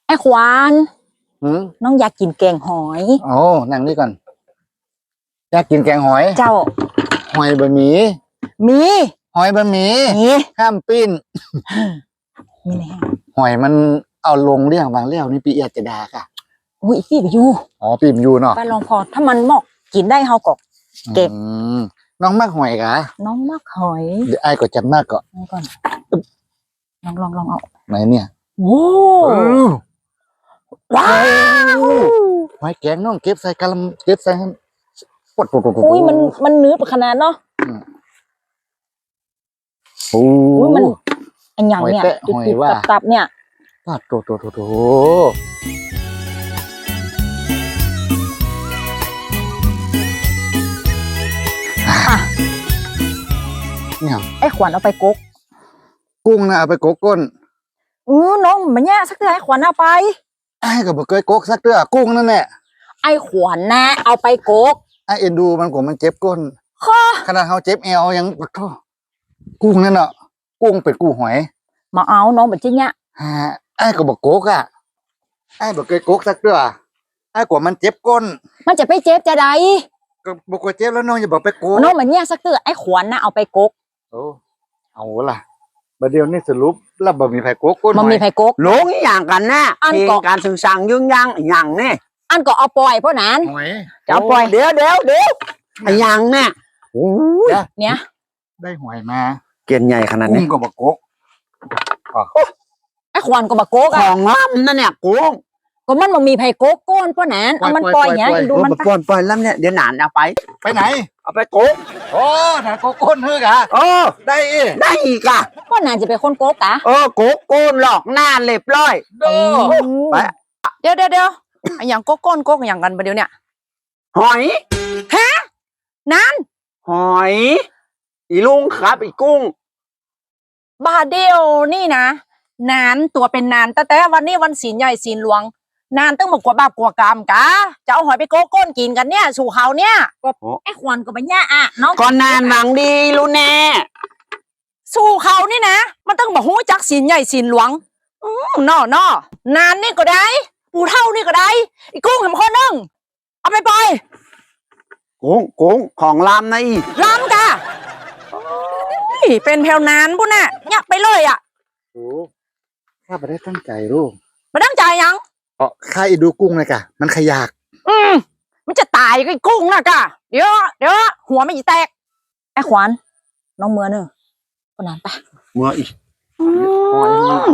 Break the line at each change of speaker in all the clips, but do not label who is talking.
ไอ้ขวาน
หืม
น้องอยากกินแกงหอย
โอ้นั่งนี่ก่อนอยากกินแกงหอย
เจ้า
หอยบะหมี่
มี
หอยบะหมี่
มี
ห้ามปิ้น
มีแน่
หอยมันเอาลงเรื่องบางเรื่องนี่ปีอาจจะดาค่ะ
อุ้ยอีพี่ไปอยู่
อ๋อปีมนอยู่เนาะ
ป้าลองพอถ้ามันเหมาะกินได้เฮาก็ เก็บ
อืมน้องมากหอยกะ
น้องมักหอย
เดี๋ยวไอ้ายก็จัดมากก็
เอาก่อนลองเอา
ไหนเนี่ย
โอ้ ว้าว
หอยแกงน้องเก็บใส่กะละเก็บใส่ให้ปวด
อุ้ยมันเนื้อขนาดเนาะ
โอ้
อุ้ยมันอันอย่างเนี่ย
หอยแตะหอยว่า
ตับเนี่ย
ปาดโตเนี่ย
ไอ้ขวัญเอาไปกก
กุ้งนะเอาไปโกกก้น
น้องมันเนี่ยสักเดือนไอ้ขวัญเอาไป
ไอ้ายก็บ่เคยโกกสักเตื้อกุ้งนั่นแหละ
ไอ้ขวัญนะเอาไปกก
ไอ้เอ็นดูมันก็มันเจ็บก้น
ข้อ
ขนาดเขาเจ็บเอวยังปะท้อกุ้งนั่นเนาะกุ้งเป็ดกุ้งหอย
มาเอาน้องแบบนี้เนี่ย
ฮะไอ้ก็บอกโกกอ่ะไอ้บอกเคยโกกสักเตื้อไอ้กว่ามันเจ็บก้น
มันจะไปเจ็บจะใด
ก็บอกว่าเจ็บแล้วน้องอย่าบอกไปโกก
น้องแบบเนี่ยสักเดือนไอ้ขวัญนะเอาไปกก
โอ้เอาล่ะบัดเดียวนี่สรุปแล้วบ่มีไผโกกก้น
มันมีไผกก
หลงอีอย่างกันนะ
อัน
เพล
ก็
งการสื่อสารยุ่งยังอีอย่างนี่
อันก็เอาปล่อยเพราะนั้น
หอย
จะเอาปล่อยเดี๋ยวอีอย่างเนี่ยโอ้ย
เนี่ย
ได้หอยมา
เกียนใหญ่ขนาด
กุ้
นี้
งก็บอกโกก
ไอ้ขวัญก็บกก
ข
อ่ะ
องล้ำนั่นเนี่ยกุ้ง
ก็มันบ่มีไผกกก้นเพราะนั้นเอามันปล่อยอย่างนี้ดูมัน
ปล่อยล้ำเนี่ยเดี๋ยวหนานเอาไป
ไปไหน
เอาไปกุ้ง
โอ้ถ้าโกกก้นเฮ้อกะ
โอ้
ได้อี
ได้อีกอ่ะ
เพราะนั้นจะเป็นคนกกอ่ะ
กุ้งกูหลอกหน้าเรียบร้อย
โด
ไป
เดี๋ยวอันอย่างโกโก้นโกกอย่างกันประเดี๋ยวเนี่ย
หอย
นั้น
หอยอีลุงครับอีกุ้ง
บาเดียวนี่นะนานตัวเป็นนานแต่วันนี้วันศีลใหญ่ศีลหลวง นานต้องมากว่าบาปกว่ากรรมกะจะเอาหอยไปโกโก้นกินกันเนี่ยสู่เขาเนี่ย
ไอ้ขวัญก็ไปเนี่ยอ่ะน้อง
ก่อนนานหวังดีรู้แน่
สู่เขานี่นะมันต้องบอกหู้จักศีลใหญ่ศีลหลวงนอนานนี่ก็ได้ปูเท่านี่ก็ได้อีกุ้งเห็นคนนึงเอาไปปล่อย
กุ้งของล้ำนะอี
ล้ำกะโอ้ยเป็นแผวนานพุ่นน่ะเนี่ยไปเลยอ่ะ
โอ้ข้าไม่ได้ตั้งใจลูก
มาตั้งใจยัง
เพราะข้าอีดูกุ้งเลยกะมันขยาก
มันจะตายกับไอ้กุ้งนะกะเดี๋ยวหัวไม่แตก
ไอ้ขวัญน้องเมือเนอะคนนั้นไป
เมื่ออี
หอย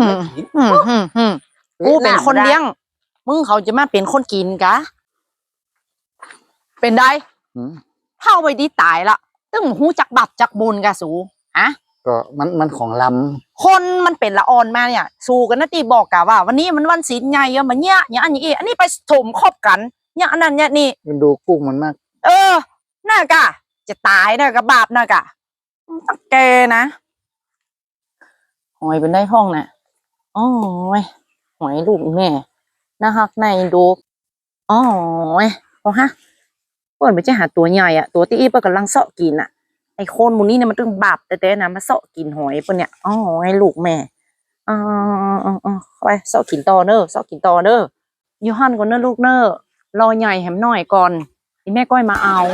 กูเป็นคนเลี้ยง มึงเขาจะมาเป็นคนกินกะ เป็นได้
อืม
เท่าไปดีตายละตึ้งหูจักบับจักบุญกะสูฮะ
ก็มันของล
คนมันเป็นละออนมาเนี่ย สู้กันนะตีบอกกะว่า วันนี้มันวันศีลใหญ่อะมันเนี่ยอย่างอันนี้อันนี้ไปถมครอบกันเนี่ยอันนั้นเนี่ยนี่
ำมันดูกุ้งมันมาก
น่ากะ จะตายน่ากะบาปน่ากะตักแกนะหอยเป็นได้ห้องน่ะอ๋อหอยลูกแม่น่าฮักในดูอ๋อพอฮะเปิดไปจะหาตัวใหญ่อะตัวที่อีเปิดกำลังเสาะกินอะไอ้โคนหมูนี่เนี่ยมันตึงบาปแต่นะมาเสาะกินหอยเปิดเนี่ยอ๋อไอ้ลูกแม่เข้าไปเสาะกินต่อเนอะเสาะกินต่อเนอะยูฮันก่อนเนอะลูกเนอะรอใหญ่แหมหน่อยก่อนอีแม่ก้อยมาเอา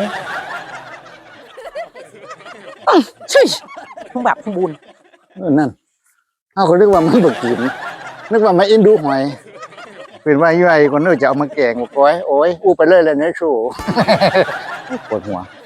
ชิทุ่งแบบทุ่งบุญ
นั่นเอาเขานึกว่ามันบกกินนึกว่ามันอินดูหอยเป็นว่าย่อยคนนึกจะเอามาแกงบอกโอ้ยอู้ไปเลยเลยเนี่ยชูปวดหัว